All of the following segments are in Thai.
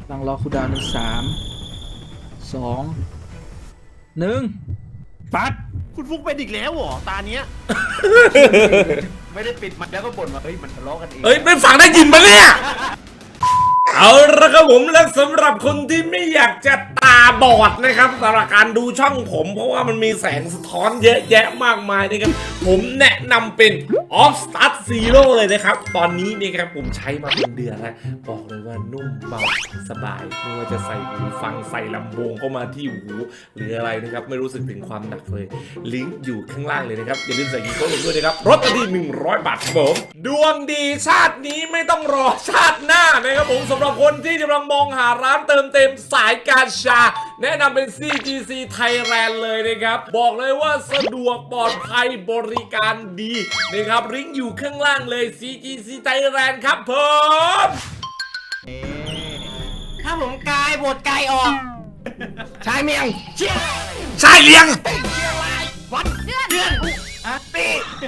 ลังรอคูลดาวน์ใน3 2 1ปัดคุณฟุกเป็นอีกแล้วเหรอตาเนี้ย ไม่ได้ปิดมันแล้วก็บ่นว่าเฮ้ยมันทะเลาะกันเองไม่ฟังได้ยินปะเนี่ยเอาละครับผมและสำหรับคนที่ไม่อยากจะตาบอดนะครับสำหรับการดูช่องผมเพราะว่ามันมีแสงสะท้อนเยอะแยะมากมายนะครับผมแนะนำเป็น Off Start Zero เลยนะครับตอนนี้นี่ครับผมใช้มาเป็นเดือนแล้วบอกเลยว่านุ่มเบาสบายไม่ว่าจะใส่หูฟังใส่ลำโพงเข้ามาที่หูหรืออะไรนะครับไม่รู้สึกถึงความหนักเลยลิงก์อยู่ข้างล่างเลยนะครับอย่าลืมใส่กีโก้ลงด้วยนะครับลดทันที100 บาทครับผมดวงดีชาตินี้ไม่ต้องรอชาติหน้านะครับผมสำหรับคนที่กำลังมองหาร้านเติมเต็มสายการชาแนะนำเป็น CGC Thailand เลยนะครับบอกเลยว่าสะดวกปลอดภัยบริการดีนะครับลิงก์อยู่ข้างล่างเลย CGC Thailand ครับผมถ้าผมกายบทกายออกชายเมียงเชี่ยใช่เลี้ยงวันเดือนปี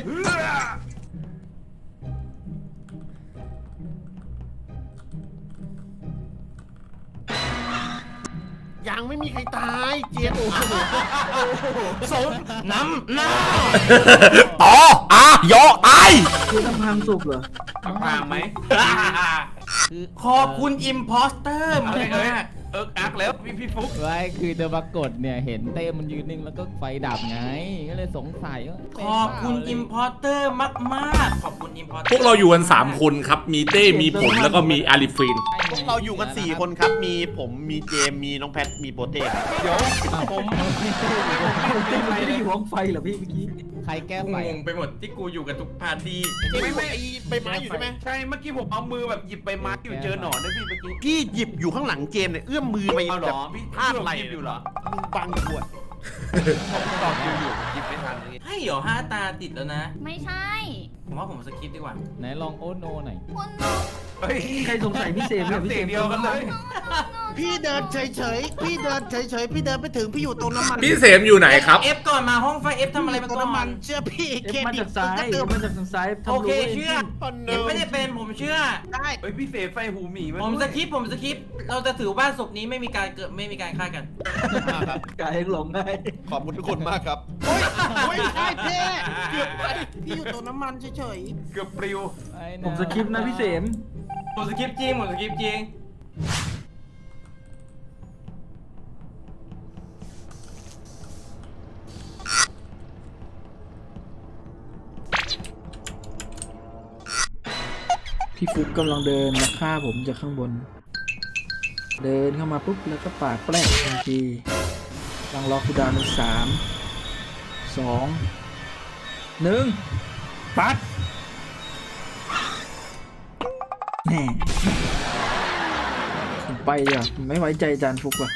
ยังไม่มีใครตายเจี๊ยบสมน้ำหน้าต่อยอตายคือน้ำพังสุกเหรอพังไหมขอบคุณอิมพอสเตอร์มาเลยอักแล้วพี่ฟุกไว้คือเดอะปรากฏเนี่ยเห็นเต้มันยืนนิ่งแล้วก็ไฟดับไงก็เลยสงสัยว่าขอบคุณอิมพอร์เตอร์มากๆขอบคุณอิมพอร์เตอร์พวกเราอยู่กัน3 คนครับมีเต้มีผมแล้วก็มีอาริฟินพวกเราอยู่กัน4 คนครับมีผมมีเจมมีน้องแพทมีโปเต้เดี๋ยวผมไม่ได้อยู่ห้องไฟเหรอพี่เมื่อกี้ใครแก้ไฟงงไปหมดที่กูอยู่กับทุกพาร์ตี้ไม่ใบไม้อยู่ใช่ไหมใช่เมื่อกี้ผมเอามือแบบหยิบใบไม้อยู่เจอหนอนด้วยพี่เมื่อกี้พี่หยิบอยู่ข้างหลังเจมเนี่ยเอื้อมมือไปแบบพี่พลาดอะไรอยู่เหรอมึงบังขวดผมตอบอยู่หยิบไม่ทันเลยให้เหรอ5 ตาติดแล้วนะไม่ใช่ผมว่าผมสคิปดีกว่าไหนลองโอโนหน่อยคุณเฮ้ยใครสงสัยพี่เซมเนี่ยพี่เซมเดียวกันเลยพี่เดินเฉยๆพี่เดินไปถึงพี่อยู่ตรงน้ำมันพี่เสมอยู่ไหนครับเอฟก่อนมาห้องไฟเอฟทำอะไรมาก่อนน้ำมันเชื่อพี่เคมาจากซ้ายมาจากทางซ้ายโอเคเชื่อเอฟไม่ได้เป็นผมเชื่อได้เฮ้ยพี่เสมไฟหูหมีผมสคิปเราจะถือว่าศพนี้ไม่มีการฆ่ากันกายหลงได้ขอบคุณทุกคนมากครับโอ้ยใช่เพ่เกือบไปพี่อยู่ตรงน้ำมันเฉยๆเกือบปลิวผมสคิปนะพี่เสมผมสคิปจริงพี่ฟุกกำลังเดินมาฆ่าผมจากข้างบนเดินเข้ามาปุ๊บแล้วก็ปาดแปลกทันทีกำลังรอคูลดาวน์ใน3 2 1ปัดแน่ผมไปเดี๋ยวไม่ไว้ใจจานฟุกว่ะ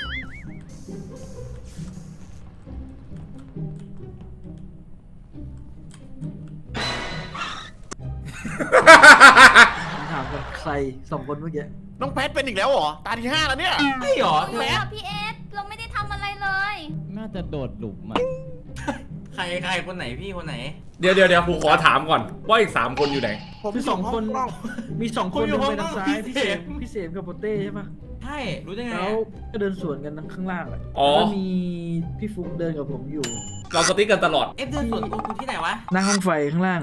ถามกันใคร2 คนเมื่อกี้น้องแพทเป็นอีกแล้วเหรอตาที่5แล้วเนี่ยไม่หรอแพทพี่เอสเราไม่ได้ทำอะไรเลยน่าจะโดดหลุมอ่ะใครคนไหนพี่คนไหนเดี๋ยวผมขอถามก่อนว่าอีก3 คนอยู่ไหนคือ2 คนมี2 คนอยู่ไปทางซ้ายพี่เสมกับโปเต้ใช่ปะใช่รู้ได้ไงแล้วก็เดินสวนกันข้างล่างแล้วมีพี่ฟุกเดินกับผมอยู่เราสติ๊กกันตลอดเดินสวนกูที่ไหนวะหน้าห้องไฟข้างล่าง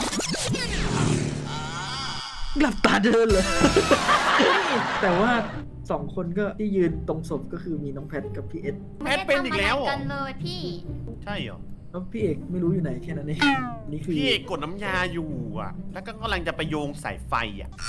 หลับตาเดินเลยแต่ว่า2 คนก็ที่ยืนตรงศพก็คือมีน้องแพทกับพี่เอสแพทเป็นอีกแล้วกันเลยพี่ใช่เหรอแล้วพี่เอกไม่รู้อยู่ไหนแค่นั้นเองนี่คือพี่เอกกดน้ำยาอยู่อ่ะแล้วก็กำลังจะไปโยงสายไฟอ่ะ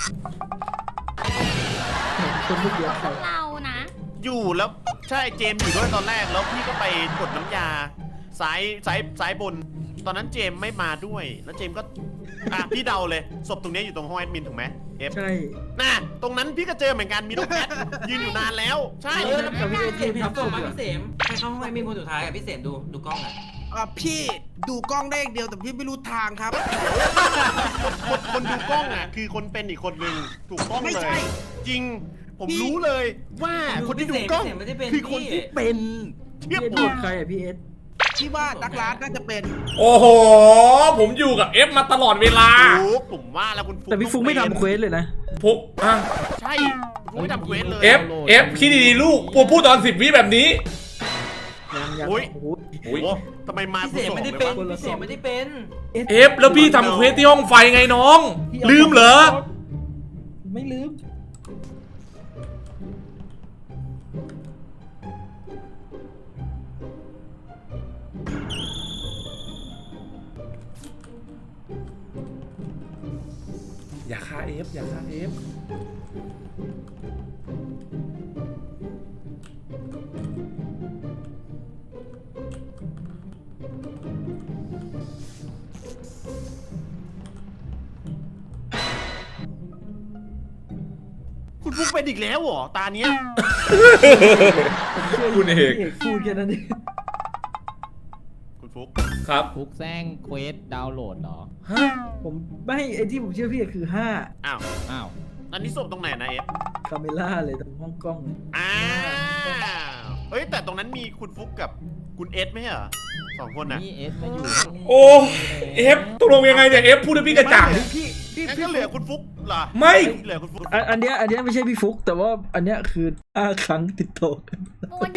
คนเมื่อกี้เรานะอยู่แล้วใช่เจมอยู่ด้วยตอนแรกแล้วพี่ก็ไปกดน้ำยาซ้ายบนตอนนั้นเจมไม่มาด้วยแล้วเจมก็พี่เดาเลยศพตรงนี้อยู่ตรงห้องแอดมินถูกไหมเอฟใช่น่ะตรงนั้นพี่ก็เจอเหมือนกันมีน้องแพทยืนอยู่นานแล้วใช่แล้วพี่ทำส่งมาพี่เสมไปเข้าห้องแอดมินคนสุดท้ายอ่ะพี่เสมดูกล้องอ่ะพี่ดูกล้องได้เดียวแต่พี่ไม่รู้ทางครับคนดูกล้องอ่ะคือคนเป็นอีกคนหนึ่งถูกต้องเลยจริงผมรู้เลยว่าคนที่ดูกล้องคือคนที่เป็นพี่เอสดูใครอ่ะพี่เอสที่ว่าดักลาสน่าจะเป็นโอ้โหผมอยู่กับเอฟมาตลอดเวลาผมว่าแล้วคุณฟุกแต่พี่ฟุกไม่ทำเควสเลยนะฟุกใช่ฟุกไม่ทำเควสเลย F คิดดีๆลูกปูพูดตอน10 วิแบบนี้ยังอุ๊ยโอ้โหโอ้โหทำไมมาพี่เสกไม่ได้เป็นคนละพี่เสกไม่ได้เป็น F แล้วพี่ทำเควสที่ห้องไฟไงน้อง ลืมเหรอไม่ลืมอย่าฆ่า F อย่าฆ่า F คุณฟุกเป็นอีกแล้วเหรอตาเนี้ยคุณเอกพูดแค่นั้นเองคุณฟุกครับฟุกแซงเควสดาวน์โหลดเหรอฮะผมไม่ไอ้ที่ผมเชื่อพี่คือ5 อ้าวอ้าวอันนี้ศพตรงไหนนะเอฟคาเมล่าเลยตรงห้องกล้องเลยอ้าวเฮ้ยแต่ตรงนั้นมีคุณฟุกกับคุณเอสไหมเหรอ2 คนน่ะนี่เอสมาอยู่โอ้ F ตกลงยังไงเนี่ย F พูดให้พี่กระจ่างงั้นก็เหลือคุณฟุกเหรอไม่เหลือคุณฟุกอันเนี้ยไม่ใช่พี่ฟุก แต่ว่าอันเนี้ยคือ5 ครั้งติดต่อกันวัน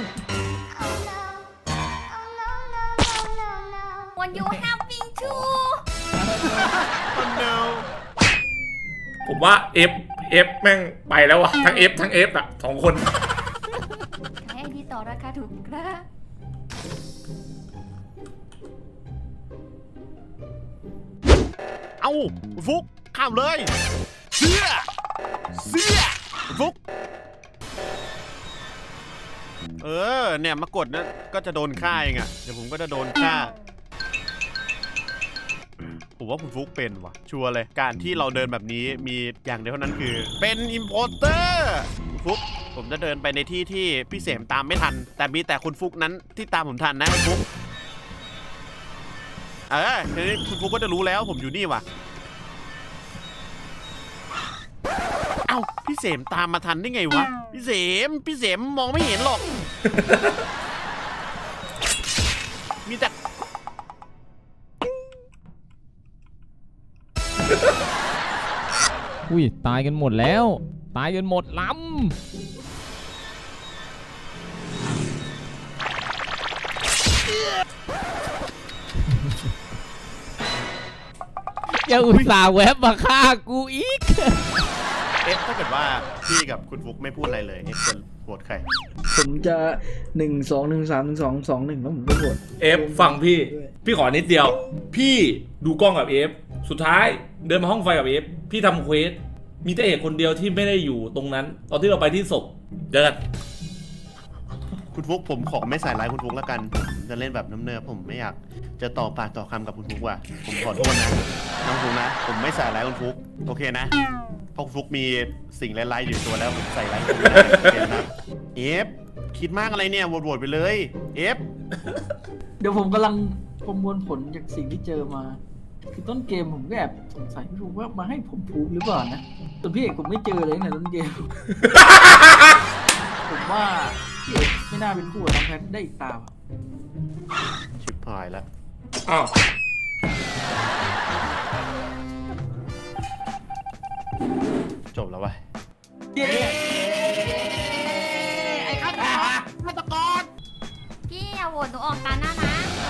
วันยูแฮปปิ้งทูคนเดียวผมว่า F แม่งไปแล้ววะทั้ง F ทั้ง F อ่ะ2 คนให้ดีต่อราคาถูกครับเอ้าคุณฟุกข้ามเลยเสื้อคุณฟุกเนี่ยมากดนะก็จะโดนฆ่าเองอ่ะเดี๋ยวผมก็จะโดนฆ่าผมว่าคุณฟุกเป็นว่ะชัวร์เลยการที่เราเดินแบบนี้มีอย่างเดียวเท่านั้นคือเป็นอิมโพสเตอร์คุณฟุกผมจะเดินไปในที่ที่พี่เสมตามไม่ทันแต่มีแต่คุณฟุกนั้นที่ตามผมทันนะคุณฟุกทีนี้คุณฟุกก็จะรู้แล้วผมอยู่นี่ว่ะเอ้าพี่เสมตามมาทันได้ไงวะพี่เสมมองไม่เห็นหรอกมีแต่อุ้ยตายกันหมดแล้ว ตายกันหมดลำยังอุตส่าห์แวบมาฆ่ากูอีกถ้าเกิดว่าพี่กับคุณฟุกไม่พูดอะไรเลยจะโหวตใครผมจะ 1 2 1 3 1 2 2 1 แล้วผมก็โหวต F ฟังพี่ขอนิดเดียว พี่ดูกล้องกับ F สุดท้ายเดินมาห้องไฟกับ F พี่ทำเควสมีแต่เอกคนเดียวที่ไม่ได้อยู่ตรงนั้น ตอนที่เราไปที่ศพเจอกันคุณฟุกผมขอไม่ใส่ร้ายคุณฟุกแล้วกันผมจะเล่นแบบน้ำเนิบผมไม่อยากจะต่อปากต่อคำกับคุณฟุกว่ะผมขอโทษนะน้องฟุกนะผมไม่ใส่ร้ายคุณฟุกโอเคนะเพราะคุณฟุกมีสิ่งร้ายๆอยู่ตัวแล้วผมใส่ร้ายคุณไม่ได้โอเคนะเอฟคิดมากอะไรเนี่ยโหวตไปเลยเอฟเดี๋ยวผมกำลังประมวลผลจากสิ่งที่เจอมา คือต้นเกมผมก็แอบสงสัยพี่ฟุกว่ามาให้ผมพูดหรือเปล่านะส่วนพี่เอกผมไม่เจอเลยตั้งแต่ต้นเกม ผมว่าพี่เอกไม่น่าเป็นคู่กับน้องแพทได้อีกตาว่ะชิบหายแล้วอ้าวจบแล้ววะไอ้ฆาตกรพี่อย่าโหวตหนูออกตาหน้านะ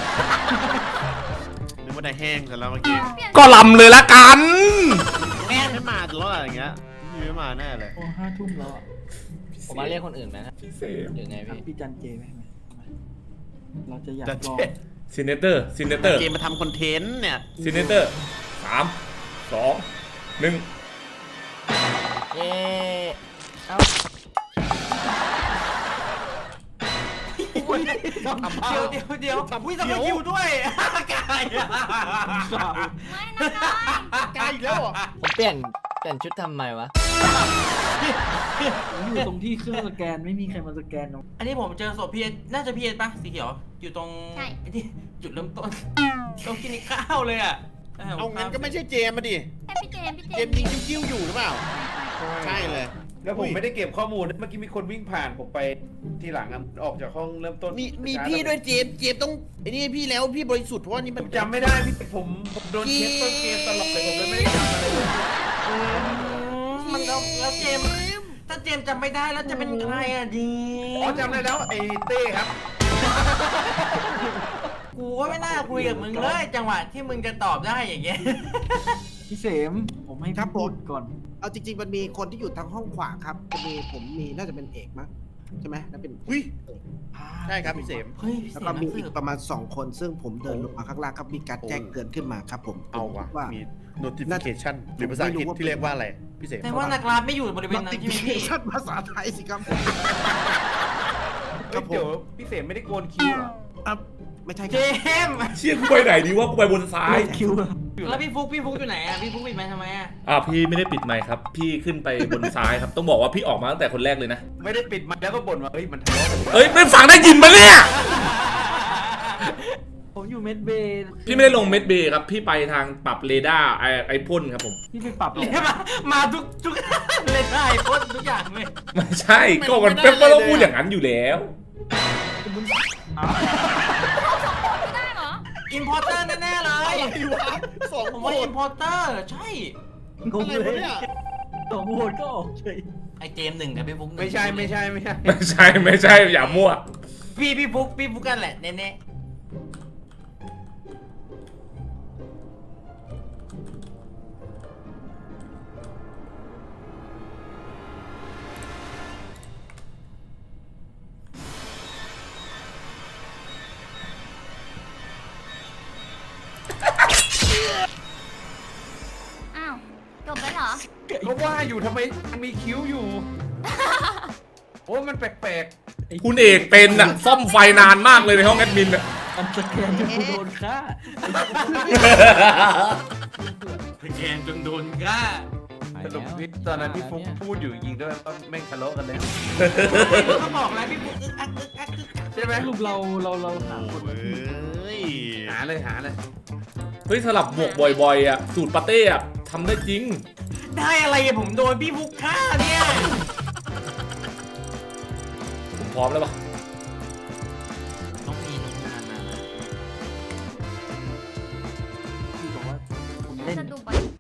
นึกว่าได้แห้งแต่แล้วเมื่อกี้เปลี่ยนก็ลำเลยละกันแม่ไม่มาจะรอดอะไรอย่างเงี้ยพี่ไม่มาแน่เลยโอ้5 ทุ่มแล้วอ่ะผมมาเรียกคนอื่นไหมนะพี่เสมหรือไงครับพี่พี่จันเจไหมเราจะอยากจันลเจองซินเนเตอร์เกมมาทำคอนเทนต์เนี่ยซินเนเตอร์3 2 1 เย้เอ้าเดี๋ยวอุ้ยทำไมคิวด้วยกายไม่นะน้อยกายอีกแล้วเหรอผมเปลี่ยนชุดทำไมวะผมอยู่ตรงที่เครื่องสแกนไม่มีใครมาสแกนน้องอันนี้ผมเจอศพพี่เอสน่าจะพี่เอสปะสีเขียว อยู่ตรงไอ้ที่จุดเริ่มต้นตรงกินข้าวเลยอ่ะเอางั้นก็ไม่ใช่เจมมาดิให้พี่เจมส์เจมยิงจิ้วๆอยู่หรือเปล่า ใช่เลยแล้วผมไม่ได้เก็บข้อมูลเมื่อกี้มีคนวิ่งผ่านผมไปทีหลังอะออกจากห้องเริ่มต้นมีพี่ด้วยเจมต้องไอ้นี่พี่แล้วพี่บริสุทธิ์เพราะว่านี่ผมันมจำไม่ได้พี่ผมโดนเช็คต้นเกมตลอดเลยผมเลยไม่ได้จำอะไรเลยมันแล้วเจมถ้าเจมส์จำไม่ได้แล้วจะเป็นใครอ่ะดีอ๋อจำได้แล้วไอ้เต้ครับกูก็ไม่น่าคุยกับมึงเลยจังหวะที่มึงจะตอบได้อย่างเงี้ยพี่เสมผมให้พี่พูดก่อนเอาจริงๆมันมีคนที่อยู่ทางห้องขวาครับจะมีผมมีน่าจะเป็นเอกมั้งใช่ไหมน่าเป็นอุ้ยใช่ครับพี่เสมเฮ้ยพี่แล้วเสก็มมีนักอีสืกบประมาณ2 คนซึ่งผมเดินลงมาข้างล่างครับมีการแจ้งเตือนขึ้นมาครับผมเอาว่ะว่ามี notification หรือภาษาอังกฤษที่เรียกว่าอะไรพี่เสมแต่ว่านักล่าไม่อยู่บริเวณนั้นใช่ไหมพี่ notification ภาษาไทยสิครับเฮ้ยเดี๋ยวพี่เสมไม่ได้โกนคิ้วเหรอไม่ใช่คเจรับมส์เชี่ยกูไปไหนดีวะกูไปบนซ้ายคิวอะแล้วพี่ฟุกอยู่ไหนอ่ะพี่ฟุกปิดไมค์ทำไมอ่ะพี่ไม่ได้ปิดไมค์ครับ พี่ขึ้นไปบนซ้ายครับ ต้องบอกว่าพี่ออกมาตั้งแต่คนแรกเลยนะไม่ได้ปิดมันแล้วก็บ่นว่าเฮ้ยมันทะเลาะกันเอ้ยไม่ฟังได้ยินปะเนี่ยผมอยู่เมดเบย์พี่ไม่ได้ลงเม็ดเบย์ครับ พี่ไปทางปรับเรดาร์ไอพ่นครับผมพี่ไปปรับเลยเนี่ยมาทุกเลยได้พ้นทุกอย่างเลยไม่ใช่ก็มันเป๊ปก็ต้องพูดอย่างนั้นอยู่แล้วไม่ได้เหรออินพอร์เตอร์แน่ๆเลยสองผมโหว่าอิดนพอร์เตอร์ใช่งงเลยสองโหวตก็ออกเฉยไอเจมส์หนึ่งกับพี่ฟุกหนึ่งไม่ใช่ไม่ใช่ไม่ใช่ไม่ใช่อย่ามั่วพี่ฟุกกันแหละแน่ๆอ้าว จบไปเหรอก็ว่าอยู่ทำไมมันมีคิ้วอยู่ โอ้มันแปลกคุณเอกเป็นอะซ่อมไฟนานมากเลยในห้องแอดมินอะอันสแกนจนกูโดนฆ่าแกนจนโดนฆ่าๆสรุปนี่ตอนนั้นพี่ฟุ๊กพูดอยู่จริงๆด้วยว่าแม่งทะเลาะกันแล้วเขาบอกแล้วพี่ฟุกอึกอักใช่ไหมสรุปเราหาคนเฮ้ยหาเลยหาเลยเฮ้ยสลับหมวกบ่อยๆอะสูตรปาเต้อะทำได้จริงได้อะไรอะผมโดนพี่ฟุกฆ่าเนี่ยผมพร้อมแล้วปะต้องมีมาพี่บอกว่าผมน่าเล่นจะดูบอล